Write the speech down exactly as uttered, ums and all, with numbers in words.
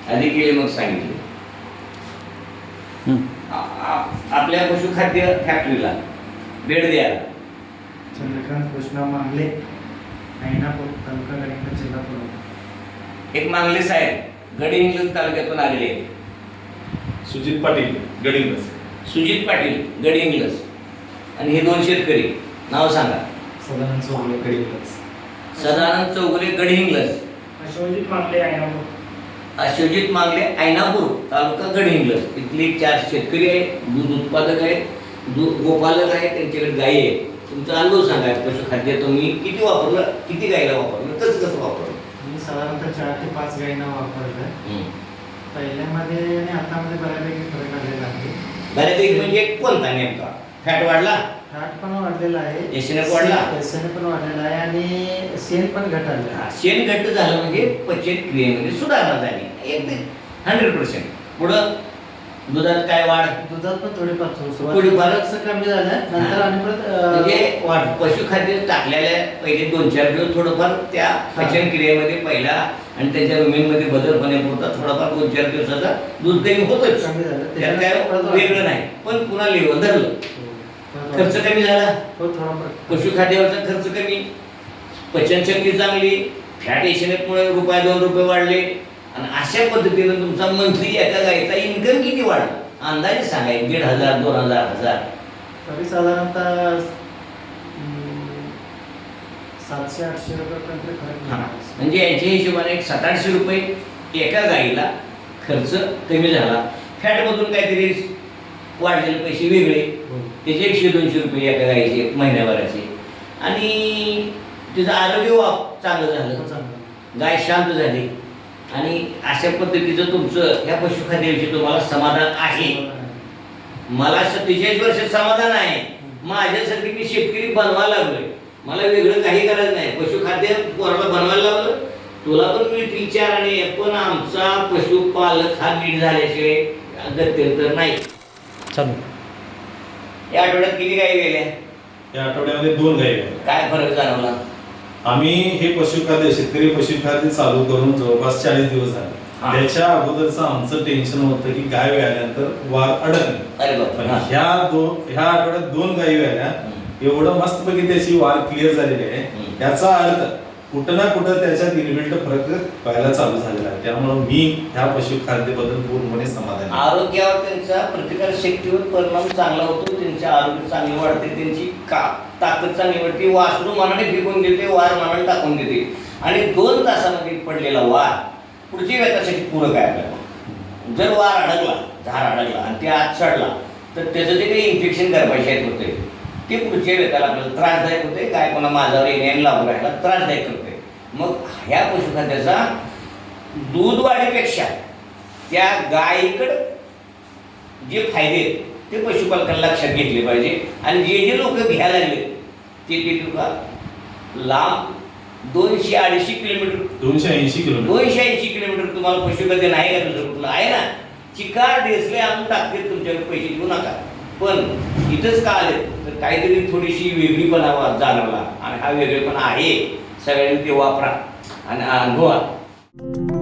आधी केले मग सांगितले. आपल्या पशुखाद्य फॅक्टरीला भेट द्यायला चंद्रकांत कृष्णा मांगले, ऐनापूर तालुका गडिंग्लज, जिल्हा पुरवठा. एक मांगले साहेब गडिंग्लज तालुक्यातून आलेले आहेत. सुजित पाटील गडिंग्लज. सुजित पाटील गडिंग्लज. आणि हे दोन शेतकरी नाव सांगा. सदानंद चौगुले, गडिंग्लज. सदानंद चौगुले गडिंग्लज. अशोकजित मांगले, ऐनापूर. अशोकजित मांगले ऐनापूर तालुका गडिंग्लज. इथले चार शेतकरी आहेत, दूध उत्पादक आहेत, दूध गोपालक आहेत, त्यांच्याकडे गायी आहेत. तुमचा अनुभव सांगा. पशुखाद्य तुम्ही किती वापरलं, किती गायीला वापरलं, कसं कसं वापरलं? मी साधारणतः चार ते पाच गायींना वापरलं. पहिल्यामध्ये आणि आतामध्ये बऱ्यापैकी फरक आलेला आहे. बऱ्यापैकी म्हणजे कोणता नेमका? फॅट वाढला, फॅट पण वाढलेला आहे, एसएनएफ वाढला, एसएनएफ पण वाढलेला आहे आणि शेण पण घटाळलं. हा, शेण घट्ट झालं म्हणजे पचन क्रियेमध्ये सुधारणा झाली एकदम हंड्रेड पर्सेंट. पुढं दुधात काय वाढ? दुधात पण थोडीफार थोडीफार कमी झालं, नंतर आणि परत म्हणजे वाढ. पशुखाद्य टाकलेल्या पहिले दोन चार दिवस थोडंफार त्या पचन क्रियेमध्ये पहिला आणि त्याच्या रुमेनमध्ये बदल होण्यापुरता थोडाफार दोन चार दिवसाचा दूध कमी होतच, कमी झालं. त्यात काय वेगळं नाही. पण पुन्हा लेवल धरलं, खर्च कमी झाला, हो थोडा पशुखाद्यावरचा खर्च कमी, पचनशक्ती चांगली, फॅट एशनेटमुळे रुपये दोन रुपये वाढले. आणि अशा पद्धतीनं तुमचा मंथली एका गायीचा इन्कम किती वाढला अंदाजे सांगाय? दीड हजार दोन हजार हजार तरी साधारणतः सातशे आठशे रुपयापर्यंत खर्च हा. म्हणजे याच्या हिशोबाने एक सात आठशे रुपये एका गाईला खर्च कमी झाला. फॅटमधून काहीतरी वाढलेले पैसे वेगळे, त्याचे एकशे दोनशे रुपये एका गाईचे महिन्याभराचे. आणि तिचं आरोग्य वाप चांगलं झालं, गाय शांत झाली. आणि अशा पद्धतीचं तुमचं ह्या पशुखाद्याविषयी तुम्हाला समाधान आहे? मला सत्तेचाळीस वर्षात समाधान आहे. माझ्यासाठी मी शेतकरी बनवायला लागलोय, मला वेगळं काही करायचं नाही. पशुखाद्य कोणाला बनवायला लागलं, तुला पण मिळतील चार आणि पण आमचा पशुपालक हा नीट झाल्याशिवाय गत्यंतर नाही. चालू. या आठवड्यात किती गायी गेल्या? या आठवड्यामध्ये दोन गायी आहेत. काय फरक जाणवला? आम्ही हे पशुखाद्य शेतकरी पशुखाद्य चालू करून जवळपास चाळीस दिवस झाले. त्याच्या अगोदरचं आमचं टेन्शन होतं की गाय व्याल्यानंतर वार अडकणे. अरे बाप. पण ह्या दोन ह्या आठवड्यात दोन गायी व्याल्या, एवढं मस्तपैकी त्याची वार क्लिअर झालेली आहे. याचा अर्थ कुठं ना कुठं त्याच्यात इनबिल्ट फरक व्हायला चालू झालेला आहे. त्यामुळे मी ह्या पशुखाद्याबद्दल पूर्णपणे समाधान आहे. आरोग्यावर त्यांचा प्रतिकार शक्तीवर परिणाम चांगला होतो, त्यांचे आरोग्य चांगले वाढते, त्यांची का ताकद चांगली वाढते, वासरू मनाने फेकून देते, वार मनाने टाकून देते. आणि दोन तासामध्ये पडलेला वार पुढची व्यथासाठी पूरक आहे आपल्याला. जर वार अडकला, झार अडकला आणि ते आत चढला तर त्याचं जे काही इन्फेक्शन गर्भाशयात होते ते पुढच्या व्यथाला आपल्याला त्रासदायक होते. गाय कोणा माझ्यावर येण्याने लागू राहायला त्रासदायक करते. मग ह्या पशुखाद्याचा दूध वाढीपेक्षा त्या गायीकडे जे फायदे आहेत ते पशुपालकांना लक्षात घेतले पाहिजे. आणि जे जे लोक घ्यायला लागले ते ते तुका लांब दोनशे अडीचशे किलोमीटर दोनशे ऐंशी किलोमीटर दोनशे ऐंशी किलोमीटर तुम्हाला पशुखाद्य नाही का दुसरं कुठलं आहे ना, चिकार डेसले आणून टाकते, तुमच्याकडे पैसे देऊ नका. पण इथंच का आले तर काहीतरी थोडीशी वेगळीपणा जाणवला आणि हा वेगळेपणा आहे. सगळ्यांनी ते वापरा आणि अनुभवा.